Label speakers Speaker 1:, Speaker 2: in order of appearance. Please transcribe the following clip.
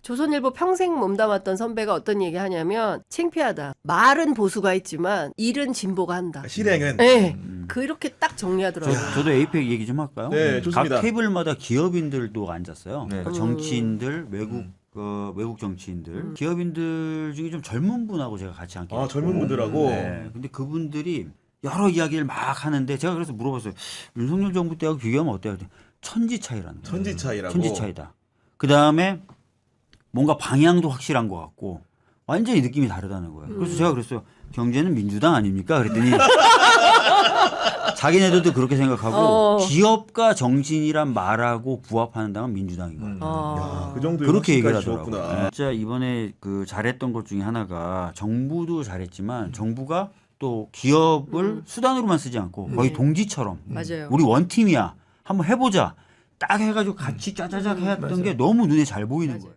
Speaker 1: 조선일보 평생 몸담았던 선배가 어떤 얘기 하냐면 창피하다. 말은 보수가 있지만 일은 진보가 한다.
Speaker 2: 실행은.
Speaker 1: 네. 그렇게 딱 정리하더라고요.
Speaker 3: 저도 에이펙 얘기 좀 할까요?
Speaker 2: 네, 좋습니다.
Speaker 3: 각 테이블마다 기업인들도 앉았어요.
Speaker 2: 네.
Speaker 3: 그러니까 정치인들, 외국 정치인들, 기업인들 중에 좀 젊은 분하고 제가 같이 앉게 됐고.
Speaker 2: 젊은 분들하고.
Speaker 3: 네. 근데 그분들이 여러 이야기를 막 하는데 제가 그래서 물어봤어요. 윤석열 정부 때하고 비교하면 어때요? 그랬더니 천지 차이라는 거예요.
Speaker 2: 천지 차이라고.
Speaker 3: 천지 차이다. 그 다음에 뭔가 방향도 확실한 것 같고 완전히 느낌이 다르다는 거예요. 그래서 제가 그랬어요. 경제는 민주당 아닙니까? 그랬더니 자기네들도 그렇게 생각하고 기업가 정신이란 말하고 부합하는 당은 민주당인 거예요.
Speaker 2: 야, 그 정도의
Speaker 3: 그렇게 얘기를
Speaker 2: 확신까지
Speaker 3: 하더라고요.
Speaker 2: 주었구나.
Speaker 3: 네. 진짜 이번에 그 잘했던 것 중에 하나가 정부도 잘했지만 정부가 또 기업을 수단으로만 쓰지 않고 거의 동지처럼
Speaker 1: 맞아요.
Speaker 3: 우리 원팀이야 한번 해보자 딱 해가지고 같이 짜자작 했던 게 너무 눈에 잘 보이는 거예요.